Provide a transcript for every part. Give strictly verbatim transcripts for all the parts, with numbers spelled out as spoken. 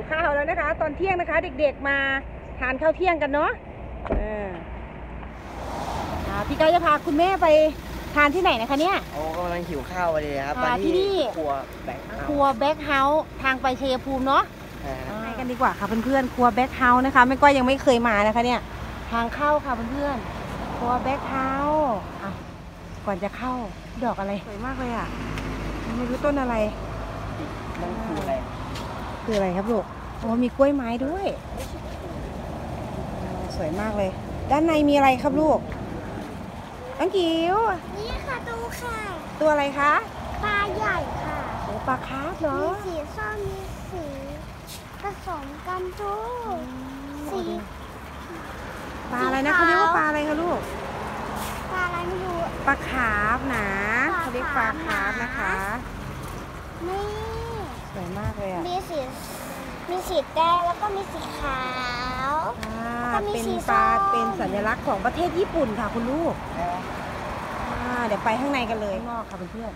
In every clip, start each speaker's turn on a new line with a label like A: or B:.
A: ข้าวแล้วนะคะ ตอนเที่ยงนะคะเด็กๆมาทานข้าวเที่ยงกันเนาะพี่ไก่จะพาคุณแม่ไปทานที่ไหนนะคะเนี่ย
B: โอ้กำลังหิวข้าวเลยครับ
A: มาที่นี่
B: ครัวแบ็ค
A: ครัวแบ็คเฮาส์ทางไปชัยภูมิเนาะไปกันดีกว่าค่ะเพื่อนๆครัวแบ็คเฮาส์นะคะแม่ก้อยยังไม่เคยมานะคะเนี่ยทางเข้าค่ะเพื่อนๆครัวแบ็คเฮาส์ก่อนจะเข้าดอกอะไรสวยมากเลยอ่ะไม่รู้ต้นอะไร
B: มันคืออะไร
A: คืออะไรครับลูกโอ้มีกล้วยไม้ด้วยสวยมากเลยด้านในมีอะไรครับลูกอังกิ๋ว
C: นี่ค่ะตูค่ะ
A: ตัวอะไรคะ
C: ปลาใหญ่ค่ะ
A: โอ้ปลาคาร์ฟเหรอ
C: มีสีส้มมีสีผสมกันทุกสี
A: ปลาอะไรนะเขาเรียกว่าปลาอะไรคะลูก
C: ปลาอะไรไม่รู้
A: ปลาคาร์ฟนะเขาเรียกปลาคาร์ฟนะคะ
C: นี่
A: สวยมากเลยอ่ะ
C: มีสีมีสีแดงแล้วก็มีสีขาว
A: เป็นปลาเป็นสัญลักษณ์ของประเทศญี่ปุ่นค่ะคุณลูกเดี๋ยวไปข้างในกันเลยนอกค่ะเพื่อน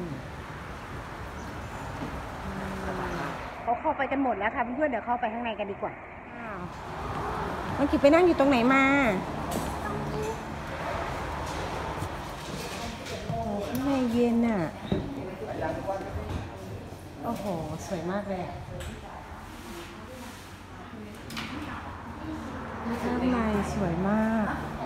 A: ๆเขาเข้าไปกันหมดแล้วค่ะเพื่อนๆเดี๋ยวเข้าไปข้างในกันดีกว่ามันกิบไปนั่งอยู่ตรงไหนมาโอ้ข้างในเย็นอ่ะโอ้โหสวยมากเลยข้างในสวยมาก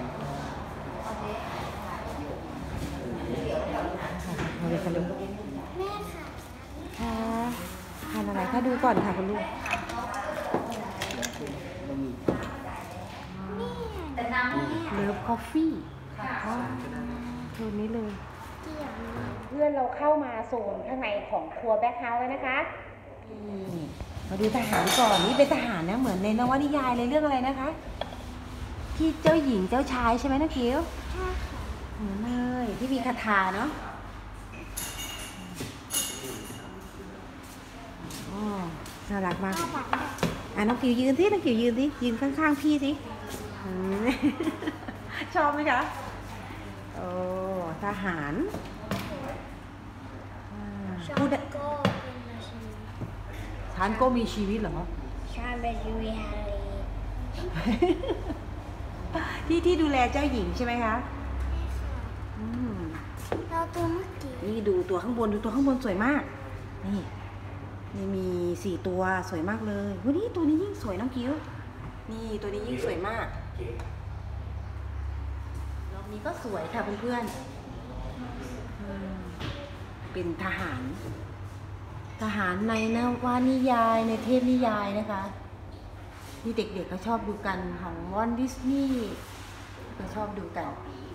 A: มาเลยค่ะลูก
C: แม่ค่ะ
A: ค่ะทานอะไรคะดูก่อนค่ะคุณลูกเลิฟคอฟฟี่ตัวนี้เลยเพื่อนเราเข้ามาโซนข้างในของครัวแบ็คเฮาส์แล้วนะคะมาดูทหารก่อนนี่เป็นทหารนะเหมือนในนวนิยายเลยเรื่องอะไรนะคะที่เจ้าหญิงเจ้าชายใช่ไหมนะคิว
C: ใช่ค่ะ
A: เหมือนเลยที่มีคาถาเนาะอ๋อน่ารักมากอ่ะน้องกิวยืนสิน้องกิวยืนสิยืนข้างๆพี่สิชอบไหมคะโอ้ทหาร
C: พูดก็เป็นชีวิต
A: ฉันก็มีชีวิตเหรอ
C: ฉันเป็นชีวิต
A: ที่ที่ดูแลเจ้าหญิงใช่ไหมคะอืม
C: เราตัวเมื่อกี้
A: นี่ดูตัวข้างบนดูตัวข้างบนสวยมากนี่นี่มีสี่ตัวสวยมากเลยวันนี้ตัวนี้ยิ่งสวยน้องกิ้วนี่ตัวนี้ยิ่งสวยมากรอบนี้ก็สวยค่ะเพื่อนๆเป็นทหารทหารในนวนิยายในเทพนิยายนะคะที่เด็กๆเขาชอบดูกันของวอลต์ดิสนีย์ก็ชอบดูกัน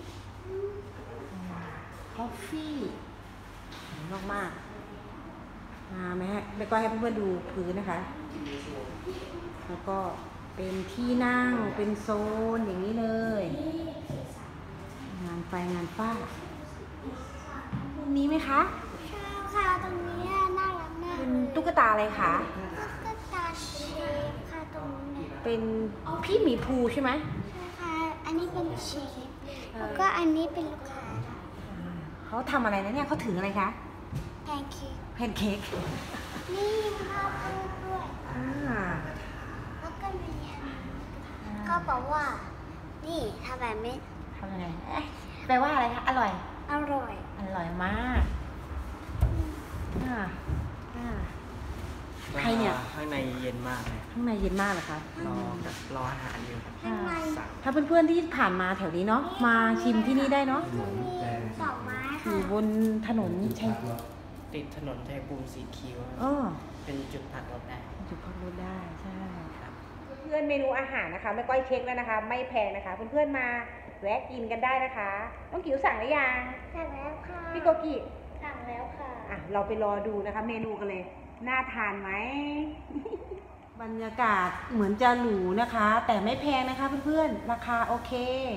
A: คอฟฟี่มากมากมาไหมฮะแล้วก็ให้เพื่อนๆดูพื้นนะคะแล้วก็เป็นที่นั่งเป็นโซนอย่างนี้เลยงานไฟงานฟ้าตรงนี้ไหมคะ
C: ใช่ค่ะตรงนี้น่ารักมาก
A: เป็นตุ๊กตาอะไรคะ
C: ตุ๊กตาเชฟค่ะตรงนี้
A: เป็นพี่หมีภูใช่ไหม
C: ใช่ค่ะอันนี้เป็นเชฟแล้วก็อันนี้เป็นลูกค้า
A: เขาทำอะไรนะเนี่ยเขาถืออะไรคะ
C: แพนเค้ก
A: แพนเค้ก
C: นี่ข้าวปูด้วยแล้วก็มีก็บอกว่านี่ทำแบบนี้
A: ทำยังไงแปลว่าอะไรคะอร่อย
C: อร่อย
A: อร่อยมากอ่าอ่าใครเนี่ย
B: ข้างในเย็นมากเลย
A: ข้างในเย็นมากเหรอคะ
B: รอรออาหารอยู่
A: ถ้าเพื่อนๆที่ผ่านมาแถวนี้เนาะมาชิมที่นี่ได้เนาะ
C: ดอกไม้
A: อยู่บนถนนชัย
B: ติดถนนชัยภูมิสีคิ้วเป็นจุดพักรถได้
A: จุดพักรถได้ใช่ครับเพื่อนเมนูอาหารนะคะไม่ก้อยเช็คแล้วนะคะไม่แพงนะคะเพื่อนๆมาแวะกินกันได้นะคะต้องกิ๋วสั่งหรือยัง
C: สั่งแล้วค่ะ
A: พี่โกกิ
C: สั่งแล้วค่ะ
A: อ่ะเราไปรอดูนะคะเมนูกันเลยน่าทานไหม บรรยากาศเหมือนจะหรูนะคะแต่ไม่แพงนะคะเพื่อนๆราคาโอเค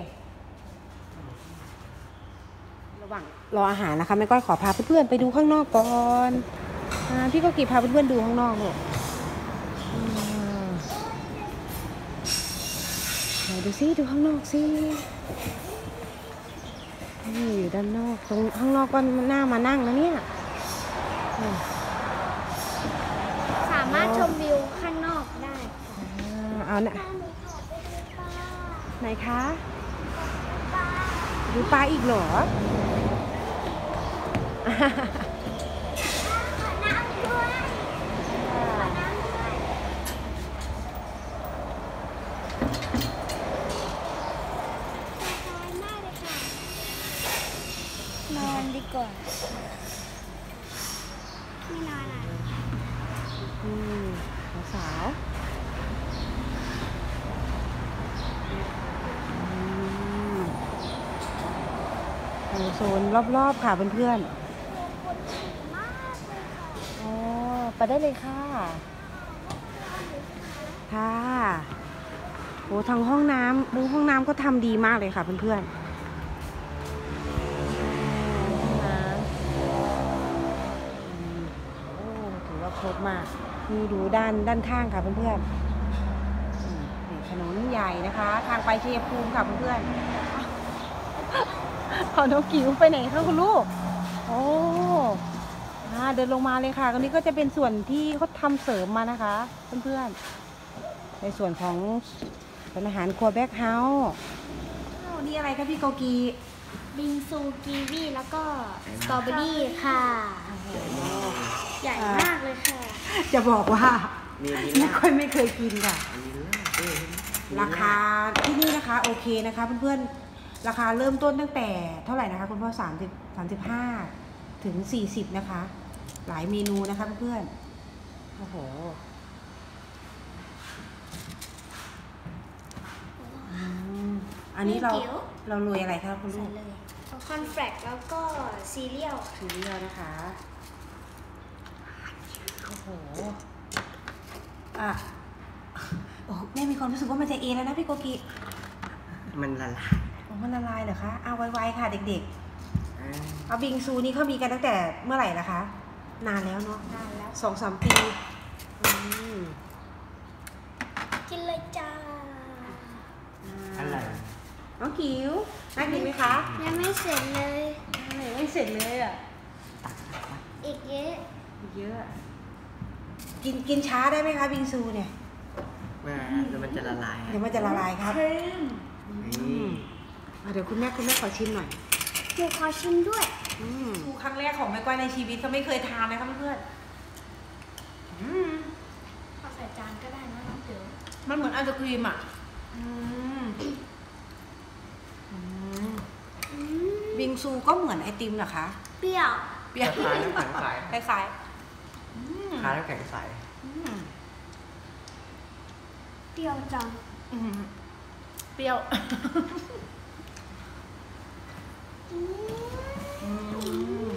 A: ระหว่างรออาหารนะคะแม่ก้อยขอพาเพื่อนๆไปดูข้างนอกก่อนพี่โกกิพาเพื่อนๆดูข้างนอกเลยดูซิดูข้างนอกซินี่อยู่ด้านนอกตรงข้างนอกก็น่ามานั่งนะเนี่ย
C: สามารถชมวิวข้างนอก
A: น่ะ
C: แม่หนูขอไปดูปลา
A: ไหนคะ
C: ปลา
A: ดูปลาอีกเหรอ
C: ขอน้ำด้วยขอน้ำด้วยสบายมากเลยค่ะนอนดีกว่าไม่นอนอ่ะ
A: อืมสาวๆอืมโอ้โซนรอบๆค่ะเพื่อน
C: คนสวยมากเลยค่ะ
A: ๆอ๋อไปได้เลยค่ะ ค่ะโอ้ทางห้องน้ำมุ้งห้องน้ำก็ทำดีมากเลยค่ะเพื่อนๆห้องน้ำอืมโอ้ถือว่าครบมากนี่ดูด้านด้านข้างค่ะเพื่อนๆอืมนี่ถนนใหญ่นะคะ ทางไปชัยภูมิค่ะเพื่อนๆขอน้องกิ๋วไปไหนคะคุณลูกโอ้อ่าเดินลงมาเลยค่ะตรงนี้ก็จะเป็นส่วนที่เขาทำเสริมมานะคะเพื่อนๆในส่วนของเป็นอาหารครัวแบ็คเฮาส์อ้าวนี่อะไรคะพี่โกกี
C: บิงซูกีวีแล้วก็สตรอเบอรี่ค่ะ ใหญ่มากเลยค่ะ
A: จะบอกว่า
B: มีอันนี้
A: ไม่
B: ลา
A: ค่อยไม่เคยกินค่ะ
B: อันนี้ลาบด้วย
A: ราคาที่นี่นะคะโอเคนะคะเพื่อนๆราคาเริ่มต้นตั้งแต่เท่าไหร่นะคะคุณพ่อสามสิบสามสิบห้าถึงสี่สิบนะคะ หลายเมนูนะคะเพื่อนๆโอ้โหอืมอันนี้เรา
C: ไม่เกี่ยว
A: เราโรยอะไรคะคุณลูก
C: คอนแฟลกแล้วก็ซีเรียล
A: ซีเรียลนะคะโอ้โหอ่ะโอ้แม่มีความรู้สึกว่ามันจะเอแล้วนะพี่โกกิ
B: มันละลาย
A: โอ้มันละลายเหรอคะเอาไวๆค่ะเด็ก
B: อ่า
A: ๆเอาบิงซูนี่เขามีกันตั้งแต่เมื่อไหร่ละคะ นานแล้วเนาะ
C: นานแล้ว
A: สองสามปีอืม
C: กินเลยจ้า
B: อะไร
A: น้องกิ๋วน่ากินไหมคะ
C: ยังไม่เสร็จเลย
A: ไม่เสร็จเลยอ่ะ
C: อีกเยอะ
A: เยอะ กินกินช้าได้ไหมคะบิงซูเนี่ย
B: ว่าแล้วมันจะละลาย
A: เดี๋ยวมันจะละลายครับ
B: นี่
A: อ่ะเดี๋ยวคุณแม่คุณแม่ขอชิมหน่อย
C: หนูขอชิมด้วย
A: ทูครั้งแรกของแม่ก้อยในชีวิตก็ไม่เคยทานนะคะเพื่อนๆอืม
C: ขอใส่จานก็ได้นะน้องเต๋อ
A: มันเหมือนไอศครีมอ่ะอืมอืม
C: อืม
A: บิงซูก็เหมือนไอติมเหรอคะ
C: เปรี้ยว
A: เปรี้ยว
B: คล้ายน้ำแข็งใส
A: คล้ายๆอืม
B: คล้ายน้ำแข็งใส
A: อืม
C: เปรี้ยวจัง
A: อืมเปรี้ยว
C: อืม
A: อืม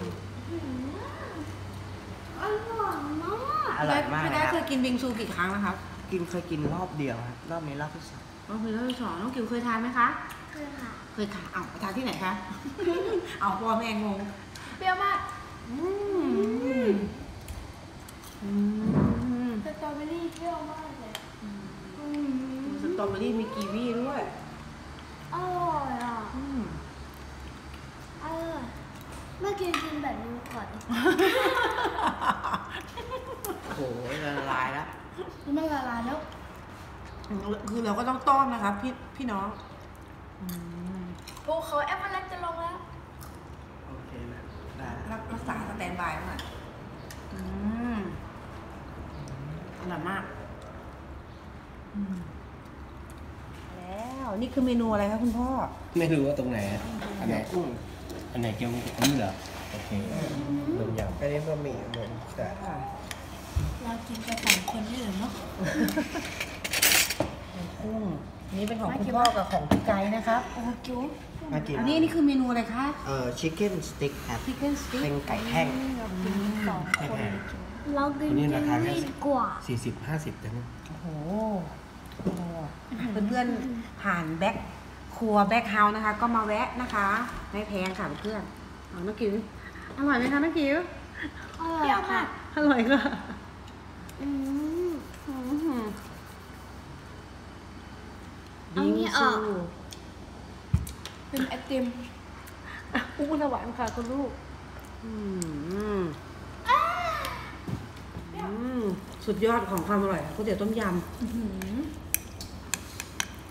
C: อร่อยมาก
B: อร่อยมาก
A: พี่
B: นะ
A: ได้
B: ครับ
A: เคยกินบิงซูกี่ครั้งแล้วครับ
B: กินเคยกินรอบเดียวครับรอบนี้รอบที่สอง
A: น้องเคยรอบที่สองน้องกิ๋วเคยทานไหมคะ
C: คือค่ะ
A: เคยค่ะเอาไปทานที่ไหนคะ เอาพ่อแม่งง
C: เปรี้ยวมาก
A: อืมอืม
C: สตรอเบอรี่เปรี้ยวมากเลยอืม
A: สตรอเบอรี่มีกีวีด้วย
C: อร่อยอ่ะ
A: อืม
C: อร่อยเมื่อกี้กินแบบนี้ก่อน
B: โอ้โหละลายแล้ว
C: ไม่ละลายแล้ว
A: คือเราก็ต้องต้อนนะคะพี่พี่น้อง
C: ภูเขาแอปเปิลจะลงแล้ว
B: โอเคนะได้แล้ว
A: รักรักษาสแตนบายมากอืมอร่อยมากอืมแล้วนี่คือเมนูอะไรคะคุณพ่อ
D: ไม่รู้ว่าตรงไหนอะอันไหน
B: กุ้ง
D: อันไหนเกี่ยวกับนี่เหรอ โอเครวมอย่าง
B: อันนี้บะหมี่เหมือนแต่
C: เรากินกันสองคนนี่เหรอเนาะ
A: กุ้งนี่เป็นของคุณพ่อกับของพี่ไก่นะครับ
C: โอ้จุ๊บ
B: มากิน
A: อันนี้นี่คือเมนูอะไรคะ
B: เอ่อชิคเก้นสติ๊กครับ
A: ชิคเก้นสติ๊ก
B: เป็นไก่แห้ง
C: เรากินสอง
D: ไม่
C: คน
D: แพง
C: เรากิน
D: อันนี้ราคาแค่
C: ดีกว่า
D: สี่สิบห้าสิบจัง
A: โอ้โหเพื่อนๆผ่านแบ็คครัวแบ็คเฮาส์นะคะ ก็มาแวะนะคะไม่แพงค่ะเพื่อนๆเอาน้องกิ๋วอร่อยไหมคะน้องกิ๋ว
C: อร่อยค่ะ
A: อร่อยค่ะ
C: อืม เอา
A: บิง
C: นี่อ
A: ซู
C: อก เป็นไอติม
A: อู้หวานค่ะคุณลูกอืมอืมสุดยอดของความอร่อยก๋วยเตี๋ยวต้มยำ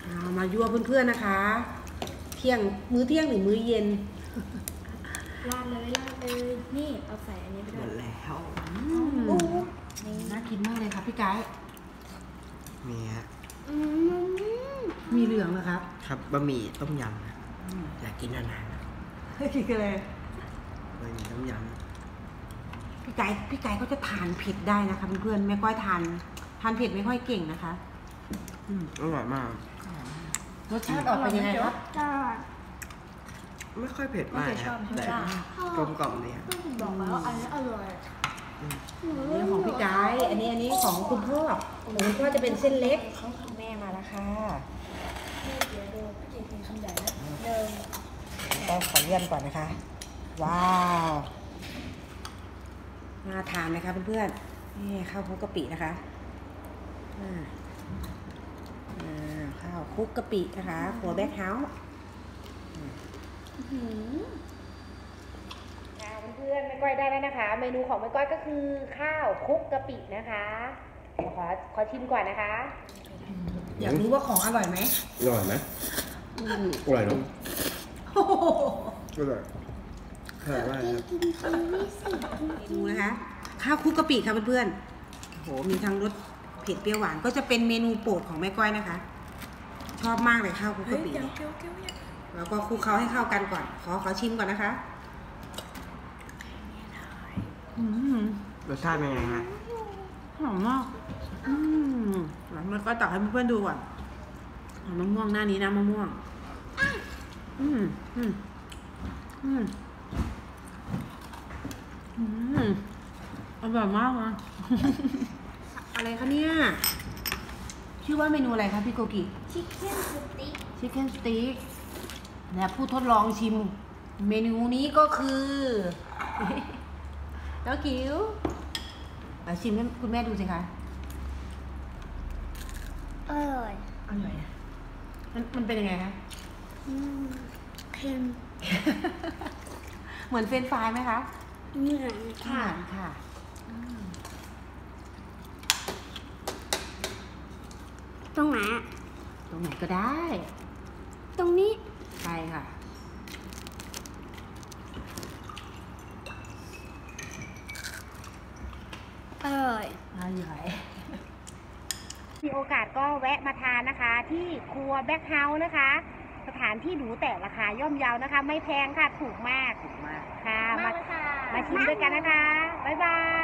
A: เอามายั่วเพื่อนๆนะคะ เที่ยงมื้อเที่ยงหรือมื้อเย็น
C: ราดเลยราดเลยนี่เอาใส่อันนี้ไป
B: หม
C: ด้วย
B: ดแล้ว
A: โอ้น่ากินมากเลยครับพี่ไก่
B: มีฮะ
C: อืม
A: มีเหลืองนะครับ
B: ครับบะหมี่ต้มยำนะอยากกินนานๆนะ
A: กินกันเลย
B: บะหมี่ต้มย
A: พี่ไก่พี่ไก่ก็จะทานเผ็ดได้นะคะเพื่อนๆแม่ก้อยทานทานเผ็ดไม่ค่อยเก่งนะคะอืม
B: ำอร่อยมาก
A: รสชาติออกเป็นยังไงครับ
C: จ้า
B: ไม่ค่อยเผ็ดมากครับแต่กลมกล่อมดีครับ
C: บอกแล้วอันนี้อร่อย
A: อันนี้ของพี่ไก่อันนี้อันนี้ของคุณพ่อของคุณพ่อจะเป็นเส้นเล็กแม่มาแล้วค่ะ
C: เดี๋ยวดูพี่เจกินคำใหญ่นะหนึ่ง
A: ก็ขอเยี่ยมก่อนนะคะ ว้าวน่าทานไหมคะเพื่อนๆนี่ข้าวคลุกกะปินะคะอ่าอ่าข้าวคลุกกะปินะคะครัวแบ็คเฮาส์เพื่อนๆแม่ก้อยได้แล้วนะคะ เมนูของแม่ก้อยก็คือข้าวคลุกกะปินะคะเดี๋ยวขอขอชิมก่อนนะคะ อยากรู้ว่าของอร่อยไหม
D: อร่อยไหมอร่อยเนาะ
B: อร่อยอร่อยมากครับ
C: กินกินไม่สิ
A: ดูนะคะข้าวคลุกกะปิค่ะเพื่อนๆโหมีทั้งรสเผ็ดเปรี้ยวหวานก็จะเป็นเมนูโปรดของแม่ก้อยนะคะ ชอบมากเลยข้าวคลุกกะปิแล้วก็คลุกเคล้าให้เข้ากันก่อน ขอขอชิมก่อนนะคะอืม
B: รสชาติเป็นไงฮะ
A: หอมมากอืมแล้วแม่ก้อยตักให้เพื่อนๆดูก่อนเอามะม่วงหน้านี้นะมะม่วงอืมอืมอืมอืมอร่อยมากนะอะไรคะเนี่ยชื่อว่าเมนูอะไรคะพี่โกกิ
C: ชิคเก้นสติ๊ก
A: ชิคเก้นสติ๊กและผู้ทดลองชิม เมนูนี้ก็คือ น้องกิ๋วมาชิมให้คุณแม่ดูสิคะ
C: อร่อย
A: อร่อยนะมันมันเป็นยังไงคะ
C: อืมเค็ม
A: เหมือนเฟรนช์ฟรายไหมคะ
C: เหมือนค่ะ
A: เหมือนค่ะ
C: ตรงไหนอะ
A: ตรงไหนก็ได้
C: ตรงนี้
A: ใช่ค่ะ
C: อร่อย
A: อร่อยมีโอกาสก็แวะมาทานนะคะ ที่ครัวแบ็คเฮาส์นะคะ สถานที่หรูแต่ราคาย่อมเยานะคะ ไม่แพงค่ะ ถูกมาก ถูกมาก ค่ะ
C: มากเลยค่ะ
A: มาชิมด้วยกันนะคะ บ๊ายบาย